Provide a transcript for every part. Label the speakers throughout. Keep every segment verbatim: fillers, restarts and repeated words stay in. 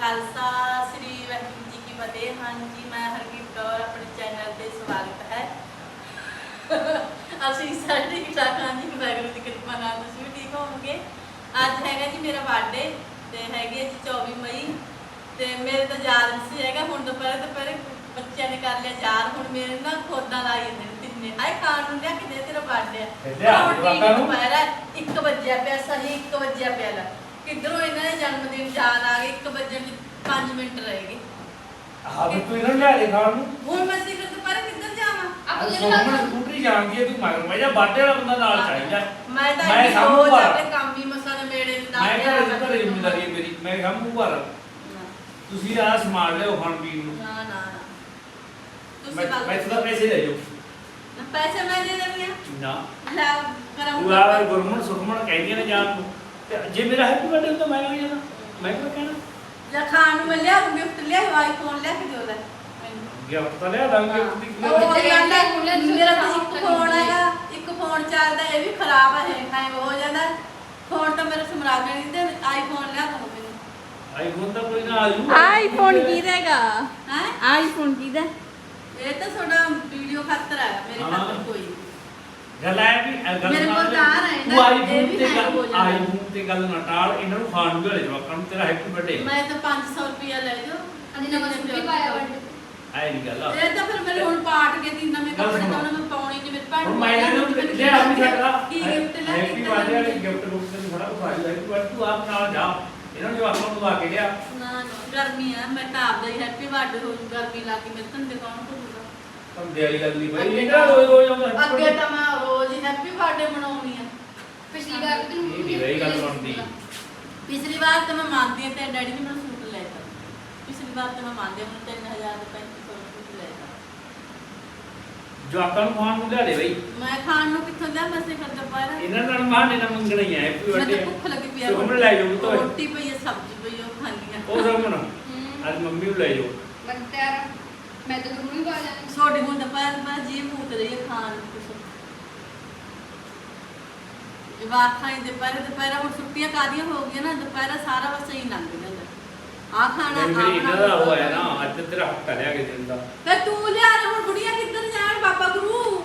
Speaker 1: खालसा श्री वाहिगुरू जी की फतेह। हाँ जी, मैं हरकीत कौर अपने चैनल पे स्वागत है। ਅਸੀਂ ਸਾਰੇ ਠੀਕ ਠਾਕ ਹਾਂ ਜੀ, ਵਾਹਿਗੁਰੂ ਦੀ ਕਿਰਪਾ ਨਾਲ ਤੁਸੀਂ ਵੀ ਠੀਕ ਹੋਵੋਗੇ। ਅੱਜ ਹੈਗਾ ਜੀ ਮੇਰਾ ਬਰਥਡੇ ਤੇ ਹੈਗੀ ਜੀ ਚੌਵੀ ਮਈ ਤੇ ਮੇਰੇ ਤਾਂ ਯਾਦ ਨਹੀਂ ਸੀ ਹੈਗਾ। ਹੁਣ ਦੁਪਹਿਰੇ ਦੁਪਹਿਰੇ ਬੱਚਿਆਂ ਨੇ ਕਰ ਲਿਆ ਯਾਦ। ਹੁਣ ਮੇਰੇ ਨਾ ਖੋਦਾਂ ਲਾਈ ਜਾਂਦੇ ਨੇ ਤਿੰਨੇ, ਆਏ ਖਾਣ ਨੂੰ ਲਿਆ ਕਿ ਦੇ ਤੇਰਾ ਬਰਥਡੇ ਆ। ਦੁਪਹਿਰਾ ਇੱਕ ਵਜਿਆ ਪਿਆ, ਸਹੀ ਇੱਕ ਵਜਿਆ ਪਿਆ ਲਾ ਕਿੱਧਰੋਂ ਇਹਨਾਂ ਦੇ ਜਨਮ ਦਿਨ ਯਾਦ ਆ ਗਏ। ਇੱਕ ਵਜੇ ਪੰਜ ਮਿੰਟ ਰਹਿ ਗਏ।
Speaker 2: ਹਾਂ ਵੀ ਤੂੰ ਇਹਨਾਂ ਲਿਆ ਦੇ ਖਾਣ ਨੂੰ।
Speaker 1: ਹੁਣ ਮੈਂ ਸਿਰ ਦੁਪਹਿਰੇ ਕਿੱਧਰ ਜਾਵਾਂ?
Speaker 2: ਆਪਾਂ ਜਿਹੜੇ ਸਕੂਟਰੀ ਜਾਂਦੀ ਹੈ ਤੂੰ ਮਗਰ ਮੈਂ ਜਾਂ ਬਾਡੇ ਵਾਲਾ ਬੰਦਾ ਨਾਲ ਚਾਹੀਦਾ।
Speaker 1: ਮੈਂ ਤਾਂ ਇਹ ਰੋਜ਼ ਆਪਣੇ ਕੰਮ ਹੀ ਮਸਾ ਨੇ ਮੇੜੇ ਦੇ ਨਾਲ
Speaker 2: ਮੈਂ ਘਰੇ ਘਰੇ ਜ਼ਿੰਮੇਵਾਰੀ ਹੈ ਮੇਰੀ। ਮੈਂ ਕੰਮ ਭਰ ਤੁਸੀਂ ਆ ਸਮਾਨ ਲਿਓ ਖਾਣ ਪੀਣ ਨੂੰ।
Speaker 1: ਨਾ ਨਾ
Speaker 2: ਮੈਂ ਮੈਂ ਤੁਹਾਡਾ ਪੈਸੇ ਲੈ ਜਾਓ।
Speaker 1: ਪੈਸੇ ਮੈਂ ਦੇ ਦੇਵਾਂ
Speaker 2: ਨਾ
Speaker 1: ਲੈ ਕਰਾਂ।
Speaker 2: ਤੂੰ ਆ ਗੁਰਮਨ ਸੁਖਮਨ ਕਹਿੰਦੀਆਂ ਨੇ ਜਾਣ ਨੂੰ ਤੇ ਜੇ ਮੇਰਾ ਹੈਪੀ ਬਰਥਡੇ ਹੁੰਦਾ ਮੈਂ ਆ ਜਾਣਾ। ਮੈਂ ਕਿਹਾ ਕਹਿਣਾ
Speaker 1: ਜਾਂ ਖਾਣ ਨੂੰ ਮੈਂ ਲਿਆ ਗਿਫਟ ਲਿਆ ਆਈਫੋਨ ਲਿਆ ਕੇ ਦਿਓ ਲੈ
Speaker 2: ਗਿਫਟ ਤਾਂ ਲਿਆ ਦਾਂਗੇ।
Speaker 1: ਉਹ ਗੱਲ ਹੈ ਮੇਰਾ ਤਾਂ ਇੱਕ ਫੋਨ ਹੈਗਾ, ਇੱਕ ਫੋਨ ਚੱਲਦਾ ਇਹ ਵੀ ਖਰਾਬ ਹੈ, ਹੈਂਗ ਹੋ ਜਾਂਦਾ ਫੋਨ। ਤਾਂ ਮੇਰਾ ਸਮਰਾ ਕੇ ਨਹੀਂ ਤੇ ਆਈਫੋਨ ਲਿਆ ਦੋ ਮੈਨੂੰ।
Speaker 2: ਆਈਫੋਨ ਤਾਂ ਕੋਈ ਨਾ ਆ ਜੂ।
Speaker 3: ਆਈਫੋਨ ਕਿਹਦਾ ਹੈਗਾ?
Speaker 1: ਹੈ
Speaker 3: ਆਈਫੋਨ ਕਿਹਦਾ?
Speaker 1: ਇਹ ਤਾਂ ਤੁਹਾਡਾ ਵੀਡੀਓ ਖਾਤਰ ਆਇਆ, ਮੇਰੇ ਖਾਤਰ ਕੋਈ
Speaker 2: ਗੱਲ ਹੈ ਵੀ ਗੱਲ
Speaker 1: ਮੇਰੇ ਕੋਲ ਕਾਰ ਹੈ
Speaker 2: ਤੂੰ ਆਈਫੋਨ ਤੇ ਗੱਲ ਆਈਫੋਨ ਤੇ ਗੱਲ ਨਾ ਟਾਲ। ਇਹਨਾਂ ਨੂੰ ਖਾਣ ਨੂੰ ਭੇਜ ਜਵਾਕਾਂ ਨੂੰ ਤੇਰਾ ਹੈਪੀ ਬਰਥਡੇ।
Speaker 1: ਮੈਂ ਤਾਂ ਪੰਜ ਸੌ ਰੁਪਿਆ ਲੈ ਜਾਓ।
Speaker 3: ਅਜੀ ਨਵਾਂ ਸੂਟ ਵੀ ਪਾਇਆ ਵੰਡ
Speaker 2: ਆਏ ਨਹੀਂ ਗੱਲ।
Speaker 1: ਇਹ ਤਾਂ ਫਿਰ ਮੇਰੇ ਹੁਣ ਪਾਟ ਕੇ ਤਿੰਨ ਨਵੇਂ ਕੱਪੜੇ ਤਾਂ ਉਹਨਾਂ ਮੈਂ ਪਾਉਣੀ ਨਹੀਂ। ਮੇਰੇ ਭੈਣ
Speaker 2: ਹੁਣ ਮੈਂ ਇਹਨਾਂ ਨੂੰ ਲਿਆ ਵੀ ਸਕਦਾ।
Speaker 1: ਕੀ ਗਿਫਟ ਲੈ
Speaker 2: ਹੈਪੀ ਬਰਥਡੇ ਵਾਲੀ ਗਿਫਟ ਬੁੱਕ ਤੇ ਸਾਰਾ ਕੁਝ ਆਈ ਹੈਪੀ ਬਰਥਡੇ ਤੂੰ ਆਪ ਨਾਲ ਜਾ। ਇਹਨਾਂ ਨੂੰ ਜਵਾਕਾਂ ਨੂੰ ਆ ਕੇ ਲਿਆ।
Speaker 1: ਨਾ ਨਾ ਗਰਮੀ ਆ, ਮੈਂ ਤਾਂ ਆਪਦਾ ਹੀ ਹੈਪੀ ਬਰਥਡੇ ਹੋ ਜੂ। ਗਰਮੀ ਲਾ ਕੇ ਮੇਰੇ ਧੰਦੇ ਕੌਣ ਕਰੂਗਾ?
Speaker 2: ਧੰਦੇ ਵਾਲੀ ਗੱਲ ਨਹੀਂ ਬਈ। ਇਹਨਾਂ ਰੋਜ਼ ਰੋਜ਼ ਆਉਂਦਾ
Speaker 1: ਅੱਗੇ ਤਾਂ ਮੈਂ ਰੋਜ਼ ਹੀ ਹੈਪੀ ਬਰਥਡੇ ਮਨਾਉਣੀ ਆ।
Speaker 3: ਪਿਛਲੀ ਵਾਰ ਵੀ
Speaker 2: ਇਹ ਨਹੀਂ ਰਹੀ ਗੱਲ ਬਣਦੀ।
Speaker 1: ਪਿਛਲੀ ਵਾਰ ਤਾਂ ਮੈਂ ਮੰਨਦੀ ਹਾਂ ਤੇ ਡੈਡੀ ਨੇ ਮੈਨੂੰ ਸੂਟ ਲੈ ਦਿੱਤਾ। ਪਿਛਲੀ ਵਾਰ ਤਾਂ ਮੈਂ ਮੰਨਦੀ ਹਾਂ ਮੈਨੂੰ ਤਿੰਨ ਹਜ਼ਾਰ ਰੁਪਏ ਦਾ ਸੂਟ ਲੈ ਦਿੱਤਾ।
Speaker 2: ਜਵਾਕਾਂ ਨੂੰ ਖਾਣ ਨੂੰ ਲਿਆ ਦੇ ਬਈ।
Speaker 1: ਮੈਂ ਖਾਣ ਨੂੰ ਕਿੱਥੋਂ ਲਿਆ? ਮੈਂ ਸਿਰ ਦੁਪਹਿਰ
Speaker 2: ਇਹਨਾਂ ਨਾਲ ਮਾਨੇ ਨਾ ਮੰਗਣਾ ਹੀ ਹੈ ਹੈਪੀ
Speaker 1: ਮੈਂ
Speaker 2: ਬਰਥਡੇ।
Speaker 1: ਤਾਂ ਭੁੱਖ ਲੱਗੀ ਪਈ ਆ।
Speaker 2: ਸੁਖਮਨ ਲੈ ਜਾਓ ਤੋ
Speaker 1: ਰੋਟੀ ਪਈ ਆ, ਸਬਜ਼ੀ ਪਈ ਆ, ਉਹ ਖਾਣੀ ਆ।
Speaker 2: ਉਹ ਸੁਖਮਨ ਅੱਜ ਮੰਮੀ ਨੂੰ ਲੈ ਜਾਓ।
Speaker 3: ਬੰਤਿਆਰ ਮੈਂ ਤਾਂ ਗੁਰੂ ਹੀ ਪਾ ਜਾਣੀ।
Speaker 1: ਛੋਟੀ ਹੁਣ ਦੁਪਹਿਰ ਮੈਂ ਜੀ ਭੂਤ ਰਹੀ ਹੈ ਖਾਣ ਨੂੰ ਕੁਛ। ਜਵਾਕਾਂ ਹੀ ਦੁਪਹਿਰ ਦੁਪਹਿਰ ਹੁਣ ਛੁੱਟੀਆਂ ਕਾਦੀਆਂ ਹੋ ਗਈਆਂ ਨਾ, ਦੁਪਹਿਰ ਸਾਰਾ ਬਸ ਹੀ ਲੰਘ ਜਾਂਦਾ। ਆ ਖਾਣਾ ਆ
Speaker 2: ਮੇਰੀ ਇਹਨਾਂ ਦਾ
Speaker 1: ਖਾਣਾ
Speaker 2: ਹੋਇਆ ਨਾ ਅੱਜ ਤੇਰਾ ਹੱਕ ਲਿਆ ਕੇ ਦਿੰਦਾ।
Speaker 1: ਤੇ ਤੂੰ ਲਿਆ ਨਾ ਹੁਣ ਬੁੜੀਆਂ ਕਿੱਧਰ ਜਾਣ? ਬਾਬਾ ਗੁਰੂ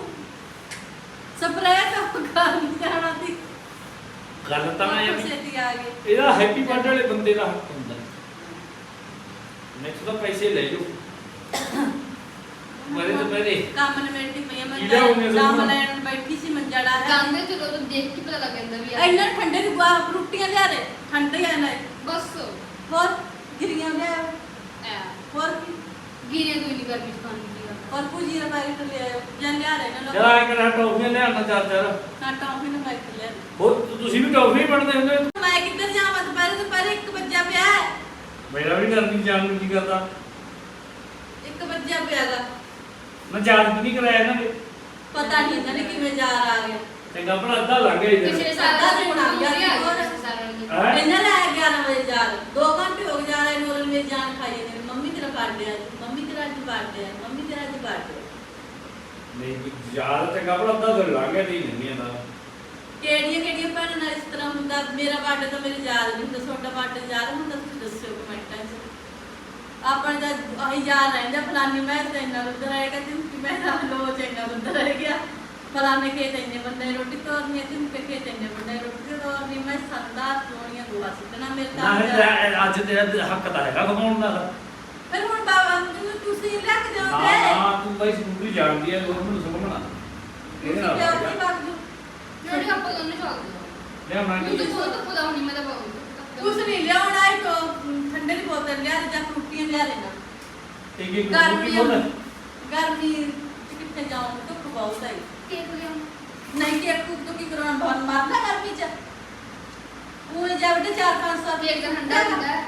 Speaker 1: ਸਪਰੇਅ ਤਾਂ ਕਰ ਜਾਣਾ ਸੀ।
Speaker 2: ਗੱਲ ਤਾਂ ਇਹ ਵੀ
Speaker 1: ਛੇਤੀ ਆ ਗਏ।
Speaker 2: ਇਹਦਾ ਹੈਪੀ ਬਰਥਡੇ ਵਾਲੇ ਬੰਦੇ ਦਾ ਹੱਕ ਹੁੰਦਾ। ਨੈਕਸਟ ਤਾਂ ਪੈਸੇ ਲੈ ਜਾਓ। ਮਰੇ ਤਾਂ ਮੇਰੇ
Speaker 1: ਕੰਮ ਨਿਬੇੜਦੀ ਪਈ ਆ ਮੈਂ।
Speaker 2: ਕੀ ਲਿਆਉਂਗੇ ਤੁਸੀਂ?
Speaker 1: ਕੰਮ ਲੈਣ ਨੂੰ ਬੈਠੀ ਸੀ, ਮੰਜਾ ਡਾ ਹੈ।
Speaker 3: ਜਾਂਦੇ ਚਲੋ ਤਾਂ ਦੇਖ ਕੇ ਪਤਾ ਲੱਗ ਜਾਂਦਾ ਵੀ ਆ।
Speaker 1: ਇੰਨਾ ਠੰਡੇ ਦੀ ਗੁਆ ਰੋਟੀਆਂ ਲਿਆ ਦੇ, ਠੰਡੇ ਆ ਨਾ।
Speaker 3: ਬਸ
Speaker 1: ਹੋਰ ਗਿਰੀਆਂ ਲਿਆ,
Speaker 3: ਐ
Speaker 1: ਹੋਰ ਕੀ
Speaker 3: ਗੀਰੇ ਕੋਈ ਨਹੀਂ ਕਰਨੀ ਖਾਣ ਦੀ ਗੱਲ।
Speaker 1: ਹੋਰ ਪੂਜੀ ਰ ਬਾਰੀ ਤੋਂ ਲਿਆਓ ਜਾਂ ਲਿਆ ਰਹੇ ਨਾ
Speaker 2: ਜਰਾ ਇੱਕ ਨਾ ਟੌਫੀਆਂ ਲਿਆਉਣਾ ਚਾਰ ਚਾਰ।
Speaker 1: ਨਾ ਟੌਫੀ ਨਾ ਬਾਈ ਤੋਂ ਲਿਆ।
Speaker 2: ਹੋਰ ਤੁਸੀਂ ਵੀ ਟੌਫੀ ਬਣਦੇ ਹੁੰਦੇ।
Speaker 1: ਮੈਂ ਕਿੱਧਰ ਜਾਵਾਂ? ਦੁਪਹਿਰੇ ਦੁਪਹਿਰੇ ਇੱਕ ਵੱਜਿਆ ਪਿਆ ਹੈ।
Speaker 2: ਮੇਰਾ ਵੀ ਗਰਮੀ ਜਾਣ ਨੂੰ ਕੀ ਕਰਦਾ।
Speaker 1: ਇੱਕ ਵੱਜਿਆ ਪਿਆ ਗਾ।
Speaker 2: ਮੈਂ ਚਾਰਜ ਵੀ ਨਹੀਂ ਕਰਾਇਆ ਇਹਨਾਂ ਨੇ।
Speaker 1: ਪਤਾ ਨਹੀਂ ਇਹਨਾਂ ਨੇ ਕਿਵੇਂ ਜਾ ਆ ਗਿਆ।
Speaker 2: ਚੰਗਾ ਭਲਾ ਅੱਧਾ ਲੱਗ ਗਿਆ ਇਹਦੇ
Speaker 3: ਪਿਛਲੇ
Speaker 2: ਨਾਲ।
Speaker 3: ਸਾਲ ਦਾ
Speaker 1: ਸਾਡਾ
Speaker 3: ਬਣਾ ਗਿਆ
Speaker 1: ਸੀ ਹੋਰ।
Speaker 3: ਸਾਰਾ ਨੂੰ
Speaker 2: ਹੈਂ?
Speaker 1: ਇਹਨਾਂ ਨੇ ਆਇਆ ਗਿਆਰਾਂ ਵਜੇ ਜਾ ਦੋ ਘੰਟੇ ਹੋ ਗਏ ਜਾ ਰਹੇ ਨੂੰ। ਮੇਰੀ ਜਾਨ ਖਾਈ ਜਾਂਦੇ ਨੇ। ਮੰਮੀ ਤੇਰਾ ਬਰਥਡੇ ਆ, ਮੰਮੀ ਤੇਰਾ ਅੱਜ ਬਰਥਡੇ ਆ, ਮੰਮੀ ਤੇਰਾ ਅੱਜ ਬਰਥਡੇ।
Speaker 2: ਨਹੀਂ ਯਾਰ ਚੰਗਾ ਭਲਾ ਅੱਧਾ ਦਿਨ ਲੱਗ ਗਿਆ। ਨਹੀਂ ਨਹੀਂ ਇਹਦਾ
Speaker 1: ਕਿਹੜੀਆਂ ਕਿਹੜੀਆਂ ਭੈਣਾਂ ਨਾਲ ਇਸ ਤਰ੍ਹਾਂ ਹੁੰਦਾ? ਮੇਰਾ ਬਰਥਡੇ ਤਾਂ ਮੇਰੇ ਯਾਦ ਨਹੀਂ ਹੁੰਦਾ। ਤੁਹਾਡਾ ਬਰਥਡੇ ਯਾਦ ਹੁੰਦਾ? ਤੁਸੀਂ ਦੱਸਿਓ ਕਮੈਂਟਾਂ 'ਚ। ਆਪਣੇ ਦਾ ਆਹੀ ਯਾਦ ਰਹਿੰਦਾ ਫਲਾਨੀ ਮੈਂ ਤੇ ਇੰਨਾ ਬੰਦਾ ਰਹੇਗਾ, ਜਿੰਕੀ ਮੈਂ ਤਾਂ ਲੋਚ ਇੰਨਾ ਬੰਦਾ ਰਹਿ ਗਿਆ। ਫਲਾਨੇ ਖੇਤ ਇੰਨੇ ਬੰਦੇ ਰੋਟੀ ਤੋਰਨੀ ਹੈ, ਜਿੰਕੇ ਖੇਤ ਇੰਨੇ ਬੰਦੇ ਰੋਟੀ ਤੋਰਨੀ। ਮੈਂ ਸੰਦਾ ਸੋਣੀਆਂ ਗੋਆ ਸਿੱਟਣਾ ਮੇਰੇ ਤਾਂ।
Speaker 2: ਨਾ ਅੱਜ ਤੇਰਾ ਹੱਕ ਤਾਂ ਹੈਗਾ ਕਮਾਉਣ ਦਾ।
Speaker 1: ਫਿਰ ਹੁਣ ਬਾਬਾ ਨੂੰ ਤੁਸੀਂ ਲੈ ਕੇ
Speaker 2: ਹਾਂ
Speaker 1: ਜਾਓਗੇ।
Speaker 2: ਹਾਂ ਤੂੰ ਬਾਈ ਸਕੂਟਰੀ ਜਾਣਦੀ ਹੈ ਲੋਕ ਨੂੰ ਸਮਝਣਾ। ਇਹਦੇ ਨਾਲ
Speaker 1: ਤੁਸੀਂ ਆਪਣੀ ਬਾਤ ਨੂੰ
Speaker 3: ਜਿਹੜੇ ਆਪਾਂ ਦੋਨੇ ਚੱਲਦੇ
Speaker 2: ਲਿਆ ਮੈਂ
Speaker 3: ਤੂੰ ਤਾਂ ਬਹੁਤ ਖੁਦਾ ਹੋਣੀ ਮੈਂ ਤਾਂ ਬਹੁਤ
Speaker 1: ਕੁਛ ਨਹੀਂ ਲਿਆਉਣਾ ਹੈ। ਤੋਂ ਠੰਡੇ ਦੀ ਬੋਤਲ ਲਿਆ ਜਾਂ ਫਰੂਟੀਆਂ ਲਿਆ ਲੈਣਾ।
Speaker 2: ਇੱਕ ਇੱਕ
Speaker 1: ਗਰਮੀ
Speaker 2: ਸਕੂਟਰੀ ਬੋਲ।
Speaker 1: ਗਰਮੀ ਚ ਕਿੱਥੇ ਜਾऊं? ਧੁੱਪ ਬਹੁਤ ਹੈ।
Speaker 3: ਕੇਕ ਲਿਆਉਂ
Speaker 1: ਨਹੀਂ ਕਿ ਇੱਕ ਤੋਂ ਕੀ ਕਰਾਉਣਾ? ਬਹੁਤ ਮਾਰਦਾ ਗਰਮੀ ਚ। ਉਹ ਜਦ ਚਾਰ ਪੰਜ ਸੌ
Speaker 3: ਕੇਕ ਤਾਂ ਠੰਡਾ ਹੁੰਦਾ ਹੈ।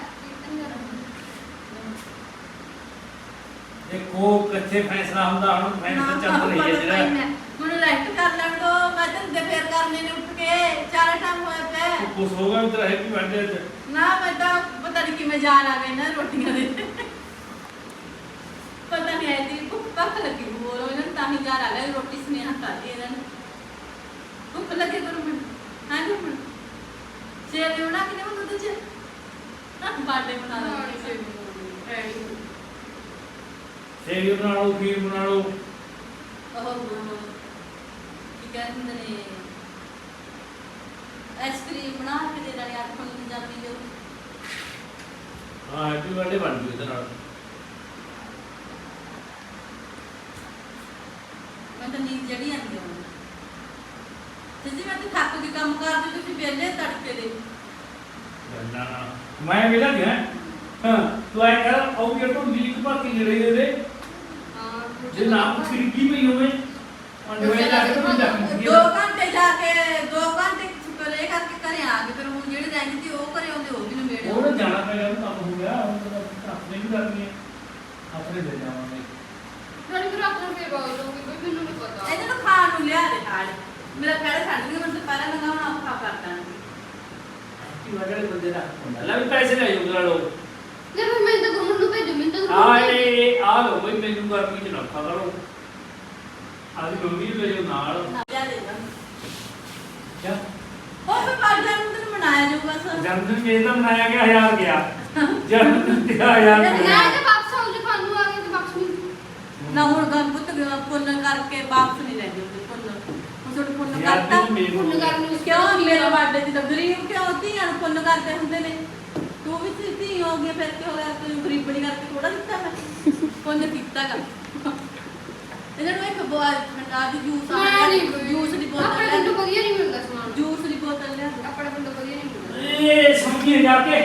Speaker 2: ਦੇਖੋ ਕਿੱਥੇ ਫੈਸਲਾ ਹੁੰਦਾ। ਹੁਣ ਫੈਸਲਾ ਚੱਲ ਰਹੀ ਹੈ ਜਿਹੜਾ।
Speaker 1: ਮੈਨੂੰ ਰੈਸਟ ਕਰ ਲੈਣ ਦੋ। ਮੈਂ ਧੰਦੇ ਫੇਰ ਕਰਨੇ ਨੇ ਉੱਠ ਕੇ। ਚਾਰ ਟਾਈਮ ਹੋਇਆ ਪਿਆ।
Speaker 2: ਤੂੰ ਖੁਸ਼ ਹੋਗਾ ਵੀ ਤੇਰਾ ਹੈਪੀ ਬਰਥਡੇ ਤੇ।
Speaker 1: ਨਾ ਮੈਂ ਤਾਂ ਪਤਾ ਨਹੀਂ ਕਿਵੇਂ ਜਾਣ ਆ ਗਏ ਨਾ ਰੋਟੀਆਂ ਦੇ। ਪਤਾ ਨਹੀਂ ਆਈ ਦੀ ਭੁੱਖ ਭੱਖ ਲੱਗੀ ਬੋਲ ਇਹਨਾਂ ਨੂੰ ਤਾਂ ਹੀ ਜਾਣ ਆ ਗਿਆ। ਰੋਟੀ ਸਨੇਹਾ ਖਾਦੀ ਇਹਨਾਂ ਨੇ। ਭੁੱਖ ਲੱਗੇ ਕਰੋ ਮੈਂ ਹਾਂ ਜੀ। ਸੇਵ ਬਣਾ ਕੇ ਦੇਵਾਂ ਦੁੱਧ ਚ। ਬਾਡੇ ਬਣਾ ਲਾਂਗੇ ਸੇਵ।
Speaker 2: ਸੇਵੀ ਬਣਾ ਲਓ, ਖੀਰ ਬਣਾ ਲਓ।
Speaker 1: ਉਹ ਕੀ ਕਹਿੰਦੇ ਨੇ ਆਈਸਕ੍ਰੀਮ ਬਣਾ ਕੇ ਦੇ ਦੇਣੀ ਅੱਜ ਹੁਣ ਪੰਜਾਬੀ ਜੋ
Speaker 2: ਹਾਂ ਹੈਪੀ ਬਰਥਡੇ ਬਣ ਜੂ ਇਹਦੇ ਨਾਲ।
Speaker 1: ਮੈਂ ਤਾਂ ਨੀਂਦ ਜੜੀ ਆਂਦੀ ਹੁਣ ਤੇ ਜੀ ਮੈਂ ਤੇ ਥੱਕ ਕੇ ਕੰਮ ਕਰਦੇ ਤੁਸੀਂ ਵਿਹਲੇ ਤੜਕੇ ਦੇ
Speaker 2: ਨਾ ਨਾ ਮੈਂ ਵੇਲਾ ਗਿਆ ਹਾਂ ਤੂੰ ਆਏ ਕਰ ਆਉ ਕੇ ਤੋਂ ਦਿੱਲੀ ਭਰ ਕੇ ਲੈ ਰਹੇ ਦੇ
Speaker 3: ਹਾਂ
Speaker 2: ਜੇ ਨਾ ਖਿੜਕੀ ਪਈ ਹੋਵੇ ਅੰਡਵੇ ਜਾ ਕੇ ਤੂੰ ਜਾ
Speaker 1: ਦੋ ਘੰਟੇ ਜਾ ਕੇ ਦੋ ਘੰਟੇ ਕਰੇ ਕਰਕੇ ਘਰੇ ਆ ਗਏ ਫਿਰ ਹੁਣ ਜਿਹੜੇ ਰਹਿੰਦੇ ਸੀ ਉਹ ਘਰੇ ਆਉਂਦੇ ਉਹ ਵੀ ਨਵੇੜੇ
Speaker 2: ਉਹ ਨਾ ਜਾਣਾ ਪੈਗਾ ਉਹ ਕੰਮ ਹੋ ਗਿਆ ਹੁਣ ਤਾਂ ਆਪਣੇ ਵੀ ਕਰਨੀ ਹੈ ਆਪਣੇ ਲੈ ਜਾਵਾਂਗੇ।
Speaker 3: ਥੋੜੀ ਫਿਰ ਆਪਣਾ ਫੇਰ ਬਾਹਰ ਲੋਗੇ ਕੋਈ ਮੈਨੂੰ ਨਹੀਂ ਪਤਾ
Speaker 1: ਇਹਨਾਂ ਨੂੰ ਖਾਣ ਨੂੰ ਲਿਆ ਦੇ ਨਾਲ ਮੇਰਾ ਪੈਰ ਛੱਡ ਦਿਓ ਮੈਨੂੰ ਪਹਿਲਾਂ ਲਗਾਉਣਾ ਔਖਾ ਕਰਦਾ
Speaker 2: ਕੀ ਵਗੜੇ ਬੰਦੇ ਦਾ ਹੁੰਦਾ ਲੈ ਵੀ ਪੈਸੇ ਲੈ ਜਾਓ ਲੋ
Speaker 3: ਜੇ ਫਿਰ ਮੈਂ ਤਾਂ ਗੁਰਮਨ ਨੂੰ ਭੇਜੂ ਮੈਨੂੰ ਤਾਂ
Speaker 2: ਆਏ ਆ ਲੋ ਬਈ ਮੈਨੂੰ ਗਰਮੀ ਚ ਨਾ ਖਾ ਕਰੋ ਆਦੀ ਮੰਮੀ ਨੂੰ ਲੈ ਜਾਓ ਨਾਲ
Speaker 1: ਨਾ ਲਿਆ ਦੇ ਨਾ
Speaker 2: ਕਿਆ
Speaker 1: ਉਹ ਫਿਰ ਬਾਅਦ ਨੂੰ ਦਿਨ ਮਨਾਇਆ ਜਾਊਗਾ ਸਰ
Speaker 2: ਜਨਮਦਿਨ ਮੇਰੇ ਦਾ ਮਨਾਇਆ ਗਿਆ ਹਜ਼ਾਰ ਗਿਆ ਜਨਮਦਿਨ ਤੇ ਹਜ਼ਾਰ
Speaker 3: ਨਾ
Speaker 2: ਗਿਆ
Speaker 3: ਜੇ ਵਾਪਸ ਆਉ ਜੇ ਖਾਣੂ ਆ ਗਏ ਤੇ ਵਾਪਸ ਨਹੀਂ
Speaker 1: ਨਾ ਹੁਣ ਗੰ ਪੁੱਤ ਪੁੰਨ ਕਰਕੇ ਵਾਪਸ ਨਹੀਂ ਲੈ ਜਾਂਦੇ ਪੁੰਨ ਹੁਣ ਤੁਹਾਡੇ ਪੁੰਨ
Speaker 2: ਯਾਰ
Speaker 1: ਕਰਤਾ
Speaker 2: ਤੂੰ ਮੈਨੂੰ
Speaker 3: ਪੁੰਨ ਕਰਨ ਨੂੰ
Speaker 1: ਕਿਉਂ ਮੇਰੇ ਬਾਡੇ ਦੀ ਤਾਂ ਗਰੀਬ ਕਿਉਂ ਧੀਆਂ ਨੂੰ ਪੁੰਨ ਕਰਦੇ ਹੁੰਦੇ ਨੇ ਤੂੰ ਵੀ ਧੀ- ਧੀ ਹੋ ਗਈ ਫਿਰ ਕੀ ਹੋ ਗਿਆ ਤੂੰ ਗਰੀਬਣੀ ਕਰਕੇ ਥੋੜਾ ਦਿੱਤਾ ਮੈਂ ਪੁੰਨ ਕੀਤਾਗਾ ਇਹਨਾਂ ਨੂੰ ਇੱਕ ਬੋਲ ਠੰਡਾ ਦੀ ਜੂਸ ਆ
Speaker 3: ਮੈਂ ਨਹੀਂ ਕੋਈ
Speaker 1: ਜੂਸ ਦੀ ਬੋਤਲ
Speaker 3: ਆਪਣੇ
Speaker 1: ਲੈ
Speaker 3: ਪਿੰਡੋਂ ਵਧੀਆ ਨਹੀਂ ਮਿਲਦਾ ਸਮਾਨ
Speaker 1: ਜੂਸ ਦੀ ਬੋਤਲ ਲਿਆ ਦੇ।
Speaker 3: ਆਪਣੇ ਪਿੰਡੋਂ ਵਧੀਆ ਨਹੀਂ ਮਿਲਦਾ
Speaker 2: ਇਹ ਸਮਝੀ ਜਾ ਕੇ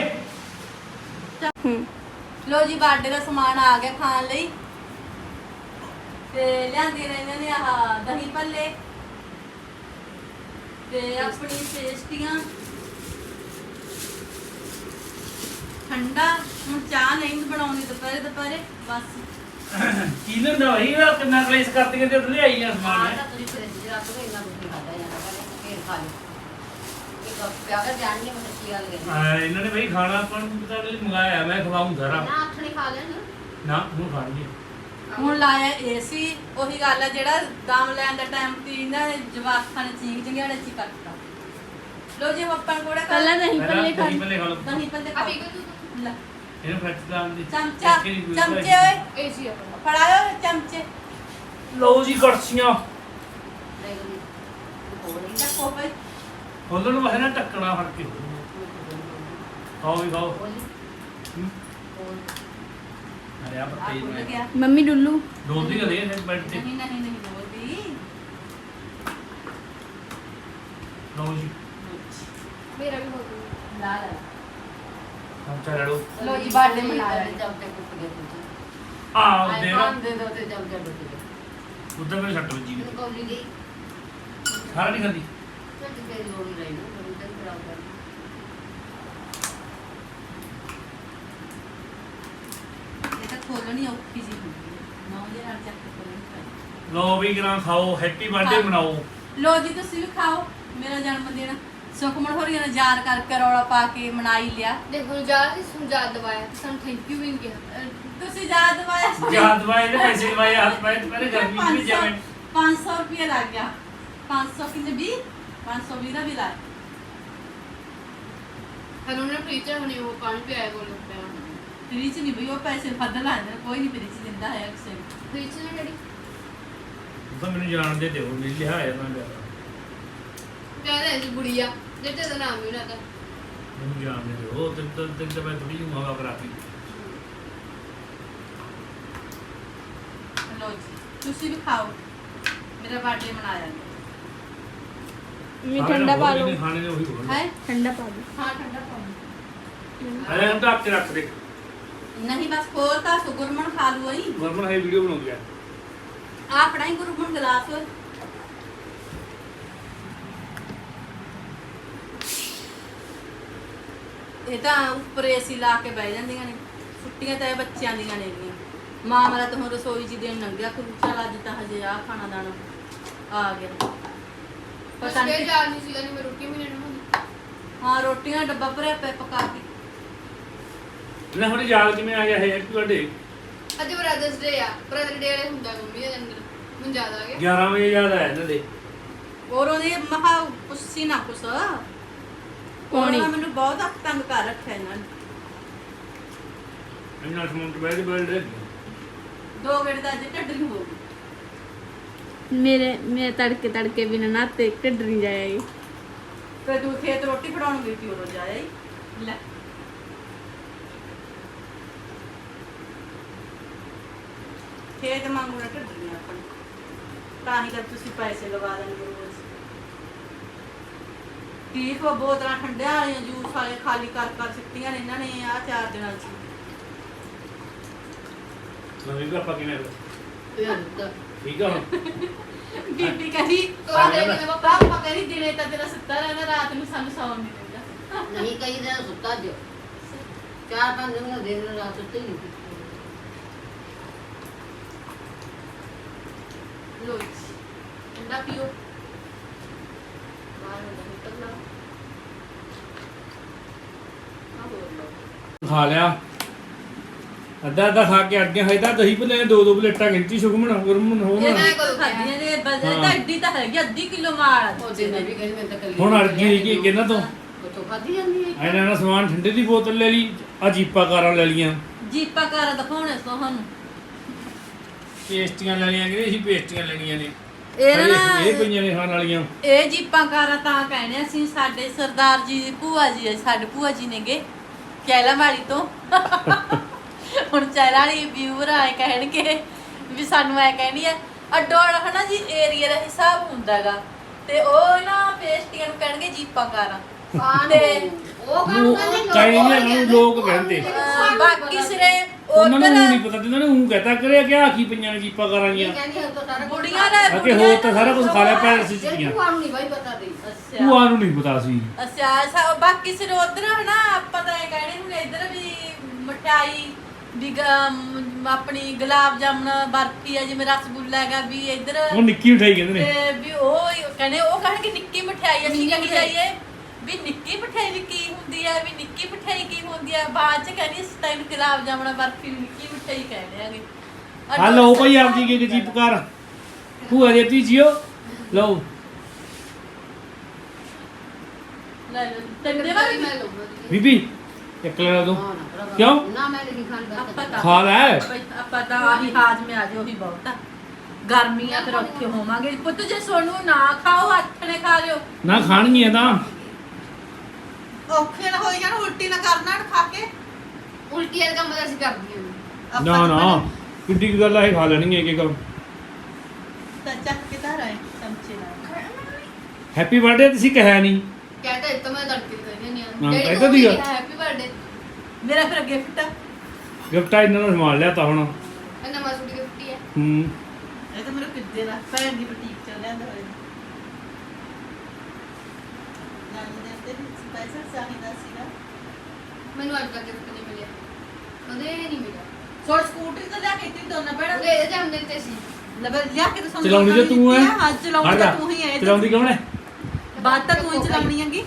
Speaker 1: ਲੋ ਜੀ ਬਾਡੇ ਦਾ ਸਮਾਨ ਆ ਗਿਆ ਖਾਣ ਲਈ ਤੇ ਲਿਆਂਦੀ ਨੇ ਇਹਨਾਂ ਨੇ ਆਹ ਦਹੀਂ ਭੱਲੇ ਤੇ ਆਪਣੀ ਪੇਸਟੀਆਂ ਠੰਡਾ ਹੁਣ ਚਾਹ ਨਹੀਂ ਬਣਾਉਣੀ ਦੁਪਹਿਰੇ ਦੁਪਹਿਰੇ ਬਸ
Speaker 2: ਕੀ ਲੈਂਦਾ ਭਾਈ ਇਹ ਕਿੰਨਾ ਕਲੇਸ਼ ਕਰਤੀ ਕਿ ਤੇ ਲਿਆਈ ਆ ਸਮਾਨ
Speaker 4: ਤਾਂ ਤੁਸੀਂ ਫ੍ਰਿਜ 'ਚ ਰੱਖ ਦੋ ਇੰਨਾ ਕੁਝ ਨਹੀਂ ਖਾਦਾ ਜਾਣਾ ਫੇਰ ਖਾ ਲਓ ਇਹ ਕੱਪ ਪਿਆ ਕਰ ਜਾਣਗੇ ਮਤਲਬ ਕੀ ਗੱਲ ਹੈ
Speaker 2: ਹਾਂ ਇਹਨਾਂ ਨੇ ਬਈ ਖਾਣਾ ਆਪਾਂ ਨੂੰ ਪਤਾ ਨਹੀਂ ਮੰਗਾਇਆ ਮੈਂ ਖਵਾਉਂ ਸਾਰਾ
Speaker 4: ਨਾ ਆਥਣੇ ਖਾ ਲੈਣ
Speaker 2: ਨਾ ਹੁਣ ਖਾਣਗੇ
Speaker 1: ਹੁਣ ਲਾਇਆ ਏਸੀ ਉਹੀ ਗੱਲ ਹੈ ਜਿਹੜਾ ਦਮ ਲੈਣ ਦਾ ਟਾਈਮ ਤੀ ਇਹਨਾਂ ਨੇ ਜਵਾਕਾਂ ਨੇ ਚੀਕ ਜੰਗਿਆੜੇ ਚ ਹੀ ਕੱਟਤਾ ਲੋ ਜੀ ਆਪਾਂ ਕੋੜੇ
Speaker 5: ਪਹਿਲਾਂ ਦਹੀਂ
Speaker 2: ਪਹਿਲਾਂ
Speaker 5: ਭੱਲੇ ਖਾ
Speaker 2: ਦਹੀਂ ਭੱਲੇ ਖਾ ਲਓ
Speaker 1: ਦਹੀਂ ਭੱਲੇ
Speaker 3: ਆ ਪੀ ਕੇ ਤੂੰ
Speaker 1: ਲੈ
Speaker 2: ਇਹਨੂੰ ਫੱਟ ਦਾਂ ਦੀ
Speaker 1: ਚਮਚਾ ਚਮਚੇ ਓਏ
Speaker 3: ਏਸੀ ਆਪਣਾ
Speaker 1: ਫੜਾਓ ਚਮਚੇ
Speaker 2: ਲਓ ਜੀ ਕੜਛੀਆਂ
Speaker 4: ਲੈ ਗਈ ਹੋਰ ਨਹੀਂ
Speaker 1: ਚੱਕੋ ਭਾਈ
Speaker 2: ਖੋਲਣ ਵਾਸਤੇ ਨਾ ਟੱਕਣਾ ਫੜ ਕੇ ਖਾਓ ਵੀ ਖਾਓ
Speaker 4: ਬੋਲੀ
Speaker 2: ਹੂੰ।
Speaker 4: ਹੋਰ
Speaker 2: ਅਰੇ ਆ
Speaker 1: ਆ
Speaker 2: ਪੱਤੇ
Speaker 1: ਭੁੱਲ
Speaker 2: ਮੈਂ
Speaker 1: ਗਿਆ
Speaker 5: ਮੰਮੀ ਡੁੱਲੂ
Speaker 2: ਡੋਲਦੀ ਕਦੇ ਇਹ ਬੈਠ ਤੇ
Speaker 1: ਨਹੀਂ ਨਹੀਂ ਨਹੀਂ ਬੋਲਦੀ
Speaker 2: ਲਓ ਜੀ
Speaker 3: ਮੇਰਾ ਵੀ ਹੋ ਗਿਆ
Speaker 1: ਲਾ ਲਾ
Speaker 2: ਹਮ ਚਲੋ
Speaker 1: ਲੋ ਜੀ ਬਾਡੇ ਮਨਾਇਆ
Speaker 4: ਚਮਚੇ ਟੁੱਟ ਗਏ ਤੁਸੀਂ
Speaker 2: ਆ
Speaker 4: ਆਏ
Speaker 2: ਦੇ
Speaker 4: ਪਾਣ ਦੇ ਦੋ ਤੇ ਚਮਚੇ ਟੁੱਟ ਗਏ
Speaker 2: ਉਧਰ ਮੇਰੇ ਛੱਟ ਵੱਜੀ
Speaker 4: ਮੈਨੂੰ ਕੌਲੀ ਗਈ
Speaker 2: ਸਾਰਾ ਨਹੀਂ ਖਾਂਦੀ
Speaker 4: ਤੇ ਫੇਰ ਲੋੜੀ ਰਹੀ ਨਾ ਮੈਨੂੰ ਤਾਂ ਖਰਾਬ ਕਰ
Speaker 1: ਇਹ ਤਾਂ ਖੋਲਣੀ ਔਖੀ ਜੀ ਹੁੰਦੀ ਹੈ ਨੌ ਦੇ ਨਾਲ ਚੱਕ ਕੇ ਖੋਲਣੀ ਪੈਂਦੀ
Speaker 2: ਲਓ ਵੀ ਗਰਾਂ ਖਾਓ ਹੈਪੀ ਬਰਥਡੇ
Speaker 1: ਹਾਂ।
Speaker 2: ਮਨਾਓ
Speaker 1: ਲੋ ਜੀ ਤੁਸੀਂ ਵੀ ਖਾਓ ਮੇਰਾ ਜਨਮ ਦਿਨ ਸੁਖਮਨ ਹੋਰੀਆਂ ਨੇ ਯਾਦ ਕਰਕੇ ਰੌਲਾ ਪਾ ਕੇ ਮਨਾਈ ਲਿਆ
Speaker 3: ਦੇਖੋ ਜਾ ਤੇ ਸੁਝਾ ਦਵਾਇਆ ਤੇ ਸਾਨੂੰ ਥੈਂਕ ਯੂ ਵੀ ਨਹੀਂ ਕਿਹਾ
Speaker 1: ਅਹ ਤੁਸੀਂ ਯਾਦ ਦਵਾਇਆ ਸੀ।
Speaker 2: ਯਾਦ ਵਾਏ ਨੇ ਪੈਸੇ ਲਵਾਏ ਹੱਥ ਪਾਏ ਪਹਿਲੇ ਗਰਮੀ ਚ ਵੀ ਜਾਵੇਂ
Speaker 1: ਪੰਜ ਸੌ ਰੁਪਏ ਲੱਗ ਗਿਆ ਪੰਜ ਸੌ ਕਿੰਨੇ ਵੀਹ ਪੰਜ ਸੌ ਵੀਹ ਦਾ ਵੀ ਲੱਗ
Speaker 3: ਹਨੂੰ ਨੇ ਪ੍ਰੀਚਰ ਹੁਣੇ ਉਹ ਪਾਣੀ ਪਿਆਇਆ ਕੋਲ ਪਿਆ
Speaker 1: ਫ੍ਰੀ ਚ ਨਹੀਂ ਬਈ ਉਹ ਪੈਸੇ ਵੱਧ ਲਾਉਂਦੇ ਕੋਈ ਨਹੀਂ ਫ੍ਰੀ ਚ ਦਿੰਦਾ ਹੈ ਅਕਸਰ
Speaker 3: ਪ੍ਰੀਚਰ ਨੇ ਡੈਡੀ
Speaker 2: ਤਾਂ ਮੈਨੂੰ ਜਾਣਦੇ ਦਿਓ ਮੇਰੀ ਲਿਹਾਇਆ ਮੈਂ ਲਿਆ
Speaker 3: ਕਹਿ ਰਹੇ ਸੀ ਬੁੜੀਆ ਜਿੱਤੇ ਦਾ ਨਾਮ ਵੀ ਨਾ ਤਾਂ
Speaker 2: ਮੈਨੂੰ ਜਾਣਦੇ ਦਿਓ ਤੇ ਤਾਂ ਤੇ ਤਾਂ ਮੈਂ ਥੋੜੀ ਜਿਹੀ ਹਵਾ ਕਰਾਤੀ
Speaker 1: ਲੋ ਜੀ ਤੁਸੀਂ ਵੀ ਖਾਓ ਮੇਰਾ ਬਰਥਡੇ ਮਨਾਇਆ
Speaker 5: ਵੀ ਠੰਡਾ ਪਾ ਲਓ
Speaker 2: ਖਾਣੇ ਨੇ ਉਹੀ ਬੋਲ
Speaker 1: ਹੈ
Speaker 5: ਠੰਡਾ ਪਾ ਦਿਓ
Speaker 1: ਹਾਂ ਠੰਡਾ ਪਾਉਂ
Speaker 2: ਅਰੇ ਹਮ ਤਾਂ ਆਪਕੇ ਰੱਖ ਦੇ
Speaker 1: ਨਹੀਂ ਬਸ ਖੋਲ ਤਾਂ ਸੋ ਗੁਰਮਨ ਖਾ ਲੂ ਆਈ
Speaker 2: ਵਰਮਨ ਹੈ ਵੀਡੀਓ ਬਣਾਉਂਦੀ ਆ
Speaker 1: ਆ ਫੜਾਈ ਗੁਰਮਨ ਗਲਾਸ ਓਏ ਇਹ ਤਾਂ ਉੱਪਰ ਏਸੀ ਲਾ ਕੇ ਬਹਿ ਜਾਂਦੀਆਂ ਨੇ ਛੁੱਟੀਆਂ ਤਾਂ ਇਹ ਬੱਚਿਆਂ ਦੀਆਂ ਨੇ ਗੀਆਂ ਮਾਂ ਮੇਰਾ ਤਾਂ ਹੁਣ ਰਸੋਈ 'ਚ ਦਿਨ ਲੰਘਿਆ ਕਿ ਚੱਲ ਅੱਜ ਤਾਂ ਹਜੇ ਆ ਖਾਣਾ ਦਾਣਾ ਆ ਗਿਆ ਪਤਾ
Speaker 3: ਪਤਾ
Speaker 1: ਨਹੀਂ
Speaker 3: ਜਾ ਨਹੀਂ ਸੀਗਾ ਨਹੀਂ ਮੈਂ ਰੋਟੀ ਵੀ ਲੈਣੀ ਹੁੰਦੀ
Speaker 1: ਹਾਂ ਰੋਟੀਆਂ ਡੱਬਾ ਭਰਿਆ ਪਿਆ ਪਕਾ ਕੇ
Speaker 2: ਲੈ ਹੁਣ ਯਾਦ ਕਿਵੇਂ ਆ ਗਿਆ ਹੈ ਹੈਪੀ ਬਰਥਡੇ
Speaker 3: ਅੱਜ ਬ੍ਰਦਰਸ ਡੇ ਆ ਬ੍ਰਦਰ ਡੇ ਵਾਲੇ ਹੁੰਦਾ ਮੰਮੀ ਦੇ ਅੰਦਰ ਮੈਨੂੰ ਯਾਦ ਆ ਗਿਆ
Speaker 2: ਗਿਆਰਾਂ ਵਜੇ ਯਾਦ ਆਇਆ ਇਹਨਾਂ ਦੇ
Speaker 1: ਔਰ ਉਹਨੇ ਮਹਾ ਕੁਛ ਸੀ ਨਾ ਕੁਛ
Speaker 5: ਕੌਣੀ?
Speaker 1: ਉਹਨਾਂ ਮੈਨੂੰ ਬਹੁਤ ਹੱਥ ਤੰਗ ਕਰ ਰੱਖਿਆ ਇਹਨਾਂ ਨੇ
Speaker 2: ਇਹਨਾਂ ਸਮੂਹ ਤੇ ਬੈਠ ਬੈਠ
Speaker 1: ਦੋ ਗੇੜ ਦਾ ਅੱਜ ਢੱਡਰੀ ਹੋ ਗਈ।
Speaker 5: ਮੇਰੇ ਮੇਰੇ ਤੜਕੇ ਤੜਕੇ ਬਿਨਾਂ ਨਾਤੇ ਢਿੱਡ ਨਹੀਂ ਜਾਏਗੀ।
Speaker 1: ਤੇ ਤੂੰ ਖੇਤ ਰੋਟੀ ਫੜਾਉਣ ਗਈ ਤੀ ਉਦੋਂ ਜਾਇਆ ਹੀ ਲੈ ਖੇਤ ਮੰਗੂ ਨਾ ਢੱਡਰੀਆਂ ਆਪਣੀ ਤਾਂ ਹੀ ਤਾਂ ਤੁਸੀਂ ਪੈਸੇ ਲਵਾ ਦੇਣਗੇ ਰੋਜ਼ ਠੀਕ ਉਹ ਬੋਤਲਾਂ ਠੰਡਿਆਂ ਵਾਲੀਆਂ ਜੂਸ ਵਾਲੇ ਖਾਲੀ ਕਰ ਕਰ ਸਿੱਟੀਆਂ ਨੇ ਇਹਨਾਂ ਨੇ ਆ ਚਾਰ ਦਿਨਾਂ ਚ
Speaker 2: ਨਵੀਂ ਦਾ ਆਪਾਂ ਕਿਵੇਂ
Speaker 4: ਫਿਰ
Speaker 2: ਠੀਕ ਆ ਹੁਣ
Speaker 1: ਬੀਬੀ ਕਹਿੰਦੀ
Speaker 3: ਤੋਰਾ ਦੇ ਕੇ ਮੈਂ
Speaker 1: ਪਾਪਾ ਕਹਿੰਦੀ ਦਿਨੇ ਤਾਂ ਤੇਰਾ ਸੁੱਤਾ ਰਹਿੰਦਾ ਰਾਤ ਨੂੰ ਸਾਨੂੰ ਸੌਣ ਨਹੀਂ ਦਿੰਦਾ
Speaker 4: ਨਹੀਂ ਕਈ ਦਿਨ ਸੁੱਤਾ ਜੋ ਚਾਰ ਪੰਜ ਦਿਨ ਦਿਨ ਰਾਤ ਸੁੱਤੇ ਹੀ ਨਹੀਂ
Speaker 1: ਲੋ ਜੀ ਠੰਡਾ ਪੀਓ ਬਾਹਰ ਹੁੰਦਾ ਨਿਕਲਣਾ ਆ ਹੋਰ ਲਓ
Speaker 2: ਖਾ ਲਿਆ ਅੱਧਾ ਅੱਧਾ ਖਾ ਕੇ ਅੜ ਗਿਆ ਹੈ ਤਾਂ ਦਹੀਂ ਭੱਲੇ ਨੇ ਦੋ ਦੋ ਪਲੇਟਾਂ ਗਿਣਤੀ ਸੁਖਮਣ ਗੁਰਮਣ ਹੋ
Speaker 1: ਇਹ
Speaker 2: ਨਾ
Speaker 1: ਮੈਂ ਕਦੋਂ ਖਾਧੀਆਂ ਨੇ ਬਜ਼ਰ ਤਾਂ ਅੱਡੀ ਤਾਂ ਹੈਗੀ ਅੱਧੀ ਕਿਲੋ ਮਾਲ ਆ
Speaker 4: ਉਹ ਦਿਨ ਵੀ ਕਹਿੰਦੇ ਮੈਂ ਤਾਂ ਕੱਲੀ
Speaker 2: ਹੁਣ ਅੜ ਗਈ ਕਿ ਕਿਹਨਾਂ ਤੋਂ
Speaker 4: ਤੋਂ ਖਾਦੀ ਜਾਂਦੀ ਹੈ
Speaker 2: ਇਹਨਾਂ ਨੇ ਸਮਾਨ ਠੰਡੇ ਦੀ ਬੋਤਲ ਲੈ ਲਈ ਆ ਜੀਪਾ ਕਾਰਾਂ ਲੈ ਲੀਆਂ
Speaker 1: ਜੀਪਾ ਕਰ ਦਿਖਾਉਣੇ ਤੁਹਾਨੂੰ
Speaker 2: ਪੇਸਟੀਆਂ ਲੈ ਲਈਆਂ ਕਿ ਅਸੀਂ ਪੇਸਟੀਆਂ ਲੈਣੀਆਂ ਨੇ
Speaker 1: ਇਹ
Speaker 2: ਹਜੇ
Speaker 1: ਨਾ
Speaker 2: ਇਹ ਪਈਆਂ ਨੇ ਖਾਣ ਵਾਲੀਆਂ
Speaker 1: ਇਹ ਜੀਪਾਂ ਕਾਰਾਂ ਤਾਂ ਕਹਿੰਦੇ ਅਸੀਂ ਸਾਡੇ ਸਰਦਾਰ ਜੀ ਦੀ ਭੂਆ ਜੀ ਹੈ ਸਾਡੇ ਭੂਆ ਜੀ ਨੇਗੇ ਕੈਲਾ ਵਾਲੀ ਤੋਂ ਹੁਣ ਚੈਲਾ ਵਾਲੀ ਵਿਊਰ ਆਏ ਕਹਿਣਗੇ ਵੀ ਸਾਨੂੰ ਐ ਕਹਿਣੀ ਆ ਅੱਡੋ ਅੱਡ ਹਨਾ ਜੀ ਏਰੀਆ ਦਾ ਹਿਸਾਬ ਹੁੰਦਾ ਹੈਗਾ ਤੇ ਉਹ ਨਾ ਪੇਸਟੀਆਂ ਨੂੰ ਕਹਿਣਗੇ ਜੀਪਾਂ ਕਾਰਾਂ ਤੇ
Speaker 4: ਉਹ ਕੰਮ
Speaker 2: ਨੂੰ
Speaker 4: ਕਹਿੰਦੇ ਲੋਕ
Speaker 2: ਚਾਈਨੀਆਂ ਨੂੰ ਲੋਕ ਕਹਿੰਦੇ
Speaker 1: ਅਹ ਬਾਕੀ ਸਿਰੇ
Speaker 2: ਉਹਨਾਂ ਨੂੰ
Speaker 1: ਉਧਰ
Speaker 2: ਨਹੀਂ ਪਤਾ ਜਿੰਨਾਂ ਨੇ ਉਹ ਕਹਤਾ ਕਰਿਆ ਕਿ ਆ ਕੀ ਪਈਆਂ ਨੇ ਜੀਪਾ ਕਾਰਾਂ ਦੀਆਂ
Speaker 4: ਕਹਿੰਦੀ ਉਹ ਤਾਂ ਸਾਰਾ
Speaker 1: ਬੁੜੀਆਂ ਨੇ
Speaker 2: ਅਕੇ ਹੋਰ ਤਾਂ ਸਾਰਾ ਕੁਝ ਖਾ ਲਿਆ ਪੈਰ ਸੀ
Speaker 4: ਜਿਹੜੀ
Speaker 2: ਚੀਆਂ
Speaker 4: ਤੁਹਾਨੂੰ ਨਹੀਂ ਬਾਈ ਪਤਾ ਦੇ
Speaker 1: ਅੱਛਾ
Speaker 2: ਭੂਆ ਨੂੰ ਨਹੀਂ ਪਤਾ ਸੀ
Speaker 1: ਅੱਛਾ ਅੱਛਾ ਬਾਕੀ ਸਿਰ ਉਧਰ ਹਨਾ ਆਪਾਂ ਤਾਂ ਇਹ ਕਹਿਣੇ ਹੁਣ ਇੱਧਰ ਵੀ ਮਠਾਈ ਵੀ ਗ- ਮ- ਆਪਣੀ ਗੁਲਾਬ ਜਾਮਣ ਬਰਫੀ ਹੈ ਜਿਵੇਂ ਰਸਗੁੱਲਾ ਹੈਗਾ ਵੀ ਇੱਧਰ
Speaker 2: ਉਹ ਨਿੱਕੀ ਉਠਾਈ ਕਹਿੰਦੇ ਨੇ
Speaker 1: ਤੇ ਵੀ ਉਹ ਕਹਿੰਦੇ ਉਹ ਕਹਿਣਗੇ ਨਿੱਕੀ ਮਠਿਆਈ ਅਸੀਂ ਕਹੀ ਜਾਈਏ ਵੀ ਨਿੱਕੀ ਮਠਿਆਈ ਵੀ ਕੀ ਹੁੰਦੀ ਹੈ ਵੀ ਨਿੱਕੀ ਮਠਿਆਈ ਕੀ ਹੁੰਦੀ ਹੈ ਬਾਅਦ ਚ ਕਹਿੰਦੀ ਅਸੀਂ ਤਾਂ ਇਹਨੂੰ ਗੁਲਾਬ ਜਾਮਣ ਬਰਫੀ ਨੂੰ ਨਿੱਕੀ ਮਠਿਆਈ ਕਹਿੰਦੇ ਆਗੇ
Speaker 2: ਆ ਲਓ ਭਾਈ ਆਪ ਜੀ ਕੇ ਜੀਪ ਕਾਰ ਭੂਆ ਦੇ ਤੀ ਜਿਓ ਲਓ
Speaker 1: ਲੈ ਲਓ ਟੰਡੇ ਵਾਲੀ
Speaker 3: ਮੈਂ ਲਊਂਗਾ
Speaker 2: ਬੀਬੀ ਇੱਕ ਲੈ ਦੋ
Speaker 4: ਹਾਂ ਨਾ ਭਰਾਵਾ।
Speaker 2: ਕਿਉਂ?
Speaker 4: ਨਾ ਮੈਂ ਨਹੀਂ ਖਾਣ
Speaker 1: ਆਪਾਂ
Speaker 4: ਦਾ
Speaker 1: ਤਾਂ
Speaker 2: ਖਾ ਲੈ
Speaker 1: ਭਾਈ ਆਪਾਂ ਤਾਂ ਆਹੀ ਹਾਜ਼ਮੇ ਆ ਜਾਓ ਉਹੀ ਬਹੁਤ ਆ ਗਰਮੀਆਂ ਤੇ ਔਖੇ ਹੋਵਾਂਗੇ ਪੁੱਤ ਜੇ ਸੋਨੂੰ ਨਾ ਖਾਓ ਹੱਥ ਨੇ ਖਾ ਲਿਓ
Speaker 2: ਨਾ ਖਾਣਗੀਆਂ ਤਾਂ
Speaker 1: ਔਖੇ ਨਾ ਹੋਈ ਜਾਣ ਉਲਟੀ ਨਾ ਕਰਨਾ ਖਾ ਕੇ
Speaker 3: ਉਲਟੀ ਵਾਲਾ ਕੰਮ ਤਾਂ ਅਸੀਂ ਕਰਦੀਆਂ ਨੇ
Speaker 1: ਆਪਾਂ
Speaker 2: ਨਾ
Speaker 1: ਤਾਂ
Speaker 2: ਨਾ ਕਿੱਡੀ ਕੁ ਗੱਲ ਆ ਇਹ ਖਾ ਲੈਣਗੀਆਂ ਇੱਕ ਇੱਕ
Speaker 1: ਤਾਂ ਚੱਕ ਕੇ ਧਾਰ ਆਏ ਚਮਚੇ ਨਾਲ
Speaker 2: ਹੈਪੀ ਬਰਥਡੇ ਤੁਸੀਂ ਕਹਿਆ ਨਹੀਂ
Speaker 3: ਕਹਿੰਦਾ ਇਹ ਤਾਂ ਮੈਂ ਤੜਕੇ ਦੀ ਕਹਿੰਦੀ ਨਹੀਂ
Speaker 2: ਹਾਂ,
Speaker 3: ਆ
Speaker 2: ਕਹਿੰਦਾ ਸੀਗਾ।
Speaker 3: ਹੈਪੀ ਬਰਥਡੇ
Speaker 1: ਮੇਰਾ ਫਿਰ ਗਿਫਟ ਆ
Speaker 2: ਗਿਫਟ ਆ ਇਹਨਾਂ ਨੂੰ ਸੰਭਾਲ ਲਿਆ ਤਾਂ ਹੁਣ
Speaker 3: ਇਹ ਨਵਾਂ ਸੂਟ ਗਿਫਟ ਹੀ ਹੈ
Speaker 2: ਹੂੰ
Speaker 1: ਇਹ ਤਾਂ ਮੇਰੇ ਕਿੱਦੇ ਦਾ ਭੈਣ ਦੀ ਬੁਟੀਕ ਚ ਲਿਆਂਦਾ ਹੋਇਆ ਨਾਨੀ ਦੇ ਤੇ ਪੈਸਾ ਚਾਹੀਦਾ ਸੀਗਾ
Speaker 3: ਮੈਨੂੰ ਅੱਜ ਤੱਕ ਗਿਫਟ ਨਹੀਂ ਮਿਲਿਆ ਕਦੇ ਨਹੀਂ ਮਿਲਿਆ
Speaker 1: ਸੋੜ ਸਕੂਟਰੀ ਤਾਂ ਲਿਆ ਕੇ ਦਿੱਤੀ ਦੋਨਾਂ ਭੈਣਾਂ
Speaker 3: ਉਹਦੇ ਇਹਦੇ ਜਨਮ ਦਿਨ ਤੇ ਸੀ
Speaker 1: ਲਬਰ ਲਿਆ ਕੇ ਤਾਂ ਸਾਨੂੰ
Speaker 2: ਚਲਾਉਣੀ ਤੇ ਤੂੰ ਹੈ
Speaker 1: ਹਾਂ ਚਲਾਉਣੀ ਤਾਂ ਤੂੰ ਹੀ ਹੈ
Speaker 2: ਚਲਾਉਂਦੀ ਕੌਣ ਹੈ
Speaker 1: ਬਾਤ ਤਾਂ ਤੂੰ ਹੀ ਚਲਾਉਣੀ ਹੈਗੀ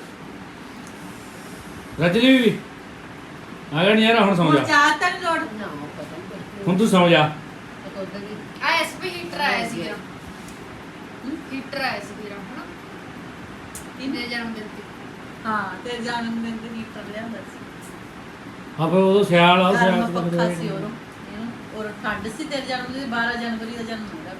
Speaker 2: ਰਜਨੀ ਵੀ ਆ ਗਿਆ ਨਹੀਂ ਯਾਰ ਹੁਣ ਸੌਂ
Speaker 1: ਹੁਣ
Speaker 2: ਜਾ
Speaker 1: ਚਾਹ ਤਾਂ ਨੀ ਲੋੜ
Speaker 4: ਨਾ ਉਹ ਪਤਾ ਨਹੀਂ
Speaker 2: ਹੁਣ ਤੂੰ ਸੌਂ ਜਾ
Speaker 4: ਤਾਂ ਉਧਰ ਦੀ
Speaker 3: ਆ ਐਸਪੀ ਹੀਟਰ ਆਇਆ ਸੀ ਮੇਰਾ ਹੀਟਰ ਆਇਆ ਸੀ ਮੇਰਾ ਹਨਾ ਇਹਦੇ ਜਨਮ ਦਿਨ ਤੇ
Speaker 1: ਹਾਂ ਤੇ ਜਨਮ ਦਿਨ ਤੇ ਹੀਟਰ ਲਿਆਂਦਾ ਸੀ
Speaker 2: ਹਾਂ ਫਿਰ ਉਦੋਂ ਸਿਆਲ ਆ ਸਿਆਲ
Speaker 1: ਗਰਮ
Speaker 2: ਤੋਂ
Speaker 1: ਪੱਖਾ
Speaker 2: ਫਿਰ-
Speaker 1: ਸੀ ਉਹਨੂੰ ਇਹਨੂੰ ਔਰ ਠੰਡ ਸੀ ਤੇਰੇ ਜਨਮ ਦਿਨ ਬਾਰਾਂ ਜਨਵਰੀ ਦਾ ਜਨਮ ਹੋਇਆ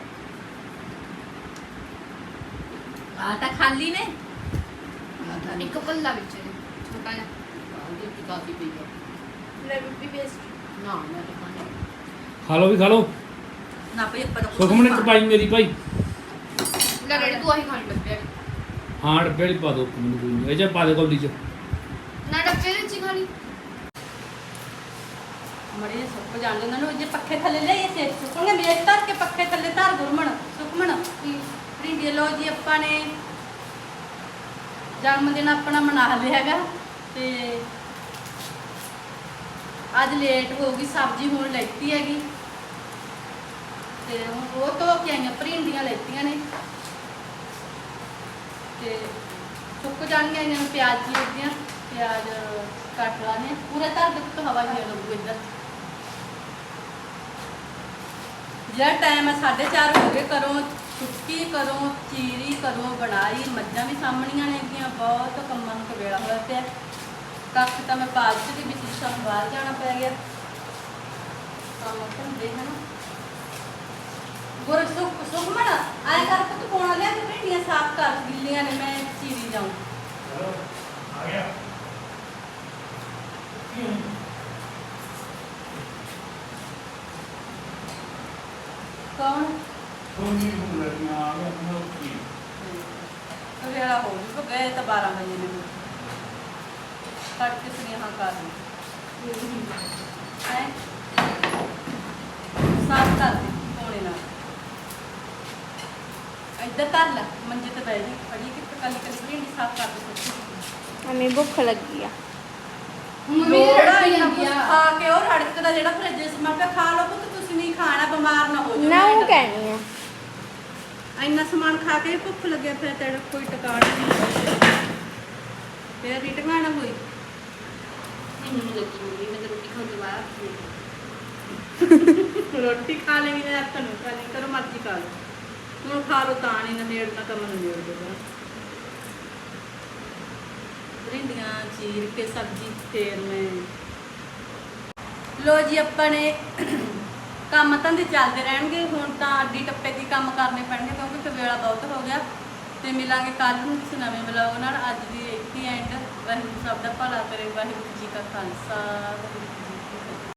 Speaker 1: ਆ ਤਾਂ ਖਾਲੀ ਨੇ
Speaker 3: ਇੱਕ ਪੱਲਾ ਵਿੱਚ ਇਹਦੇ, ਛੋਟਾ ਜਿਹਾ
Speaker 4: ਉਹਦੀ ਕੀ ਕਾਫੀ ਪਈ ਹੈ
Speaker 3: ਲੈ ਬੀਬੀ ਪੇਸਟ
Speaker 4: ਨਾ ਮੈਂ ਤਾਂ ਖਾਣੀ
Speaker 2: ਖਾ ਲਓ ਵੀ ਖਾ ਲਓ
Speaker 1: ਨਾ ਭਈ ਆਪਾਂ ਤਾਂ ਕੁਛ
Speaker 2: ਸੁਖਮਣ
Speaker 1: ਨੀ
Speaker 2: ਇੱਕ ਪਾਈ ਮੇਰੀ ਭਾਈ
Speaker 3: ਲੈ ਰੈਡੀ ਤੂੰ ਆਹੀ ਖਾਣ ਲੱਗਿਆ
Speaker 2: ਹਾਂ ਡੱਬੇ ਵਾਲੀ ਪਾ ਦੋ ਮੈਨੂੰ ਕੋਈ ਨਹੀਂ ਇਹ ਚ ਪਾ ਦੇ ਕੌਲੀ ਚ
Speaker 3: ਨਾ ਡੱਬੇ ਵਿੱਚ ਹੀ ਖਾਣੀ
Speaker 1: ਮੜੇ ਸੁੱਕ ਜਾਣ ਉਹਨਾਂ ਨੂੰ ਜੇ ਪੱਖੇ ਥੱਲੇ ਲੈ ਇਹ ਸੇਕ ਸੁੱਕਣਗੇ ਮੇਜ਼ ਧਰ ਕੇ ਪੱਖੇ ਥੱਲੇ ਧਰ ਗੁਰਮਣ ਸੁਖਮਣ ਪ੍ਰਿੰਡੀ ਲੋ ਜੀ ਆਪਾਂ ਨੇ ਜਨਮ ਦਿਨ ਆਪਣਾ ਮਨਾ ਲਿਆ ਹੈਗਾ ਤੇ ਅੱਜ ਲੇਟ ਹੋ ਗਈ ਸਬਜ਼ੀ ਹੁਣ ਲੈਤੀ ਹੈਗੀ ਤੇ ਹੁਣ ਉਹ ਤੋਂ ਕੇ ਆਈਆਂ ਪ੍ਰਿੰਡੀਆਂ ਲੈਤੀਆਂ ਨੇ ਤੇ ਸੁੱਕ ਜਾਣਗੀਆਂ ਇਹਨਾਂ ਨੂੰ ਪਿਆਜ਼ ਚੀਰਦੀਆਂ ਪਿਆਜ਼ ਕੱਟ ਲਾਣੇ ਪੂਰਾ ਧਰ ਦੇ ਤੋਂ ਹਵਾ ਨਹੀਂ ਲੱਗੂ ਇੱਧਰ ਜਿਹੜਾ ਟਾਈਮ ਹੈ ਸਾਢੇ ਚਾਰ ਹੋ ਗਏ ਕਰੋ ਛੁੱਟੀ ਕਰੋ ਚੀਰੀ ਕਰੋ ਬਣਾਈ ਮੱਝਾਂ ਵੀ ਸਾਹਮਣੀਆਂ ਨੇਗੀਆਂ ਬਹੁਤ ਕੰਮਾਂ ਨੂੰ ਕਵੇਲਾ ਹੋਇਆ ਪਿਆ ਕੱਖ ਤਾਂ ਮੈਂ ਪਾ ਦਿੱਤੀ ਵੀ ਸਾਨੂੰ ਬਾਹਰ ਜਾਣਾ ਪੈ ਗਿਆ ਕੰਮ ਧੰਦੇ ਹਨ ਗੁਰ ਸੁਖ ਸੁਖਮਣ ਆਏ ਕਰ ਪੁੱਤ ਕੋਣਾ ਲਿਆ ਤੇ ਭਿੰਡੀਆਂ ਸਾਫ਼ ਕਰ ਗਿੱਲੀਆਂ ਨੇ ਮੈਂ ਚੀਰੀ ਜਾਉਂ
Speaker 2: ਚਲੋ ਆ ਗਿਆ
Speaker 1: ਕੌਣ
Speaker 2: ਸੋਨੀ ਨੂੰ ਲੱਗਿਆ ਆ ਗਿਆ ਮੈਂ ਕੀ
Speaker 1: ਵੇਲਾ ਹੋ ਜੂ ਗਏ ਤਾਂ ਬਾਰਾਂ ਵਜੇ ਨੇ ਕੱਟ ਕੇ ਸੁਨੇਹਾ ਕਰ ਹੈ ਸਾਫ਼ ਕਰ ਦੇ ਕੋਣੇ ਨਾਲ ਇੱਧਰ ਧਰ ਲੈ ਮੰਜੇ ਤੇ ਬਹਿ ਜੀ ਫੜੀ ਕਿ ਕੱਲੀ ਕੱਲੀ ਭਿੰਡੀ ਸਾਫ਼ ਕਰ ਦੇ ਸੱਚੀ
Speaker 5: ਮੰਮੀ ਭੁੱਖ ਲੱਗੀ ਆ
Speaker 3: ਮੰਮੀ
Speaker 1: ਲੋੜਾ
Speaker 3: ਰੋਟੀ
Speaker 1: ਇੰਨਾ
Speaker 3: ਜਾਂਦੀ
Speaker 1: ਕੁਛ
Speaker 3: ਆ
Speaker 1: ਖਾ ਕੇ ਉਹ ਰੜਕ ਦਾ ਜਿਹੜਾ ਫਰਿੱਜ 'ਚ ਸਮਾਨ ਪਿਆ ਖਾ ਲਓ ਪੁੱਤ ਤੁਸੀਂ ਨਹੀਂ ਖਾਣਾ ਬਿਮਾਰ ਨਾ ਹੋ ਜਾਓ
Speaker 5: ਨਾ ਉਹ
Speaker 1: ਮੈਂ ਤਾਂ-
Speaker 5: ਕਹਿਣੀ ਆ
Speaker 1: ਇੰਨਾ ਸਮਾਨ ਖਾ ਕੇ ਵੀ ਭੁੱਖ ਲੱਗਿਆ ਫਿਰ ਤੇਰਾ ਕੋਈ ਟਿਕਾਣਾ ਨਹੀਂ ਫਿਰ ਵੀ ਟਿਕਾਣਾ ਹੋਈ
Speaker 3: ਮੈਨੂੰ ਨਹੀਂ ਲੱਗੀ ਮੰਮੀ ਮੈਂ ਤਾਂ ਰੋਟੀ ਖਾਣ ਤੋਂ ਬਾਅਦ
Speaker 1: ਰੋਟੀ ਖਾ ਲੈਣੀ ਨਾ ਤੁਹਾਨੂੰ ਖਾ ਲਈ ਕਰੋ ਮਰਜ਼ੀ ਖਾ ਲਓ ਹੁਣ ਖਾ ਲਓ ਤਾਂ ਨਹੀਂ ਨੇੜਨਾ ਕੰਮ ਨੇੜ ਦੇਗਾ ਭਿੰਡੀਆਂ ਚੀਰ ਕੇ ਸਬਜ਼ੀ ਫੇਰ ਮੈਂ ਲੋ ਜੀ ਆਪਾਂ ਨੇ ਕੰਮ ਧੰਦੇ ਚੱਲਦੇ ਰਹਿਣਗੇ ਹੁਣ ਤਾਂ ਅੱਡੀ ਟੱਪੇ ਦੀ ਕੰਮ ਕਰਨੇ ਪੈਣਗੇ ਕਿਉਂਕਿ ਫਿਰ ਵੇਲਾ ਬਹੁਤ ਹੋ ਗਿਆ ਤੇ ਮਿਲਾਂਗੇ ਕੱਲ ਨੂੰ ਕਿਸੇ ਨਵੇਂ ਵਲੌਗ ਨਾਲ ਅੱਜ ਦੀ ਇੱਥੇ ਐਂਡ ਵਾਹਿਗੁਰੂ ਸਭ ਦਾ ਭਲਾ ਕਰੇ ਵਾਹਿਗੁਰੂ ਜੀ ਕਾ ਖਾਲਸਾ ਵਾਹਿਗੁਰੂ ਜੀ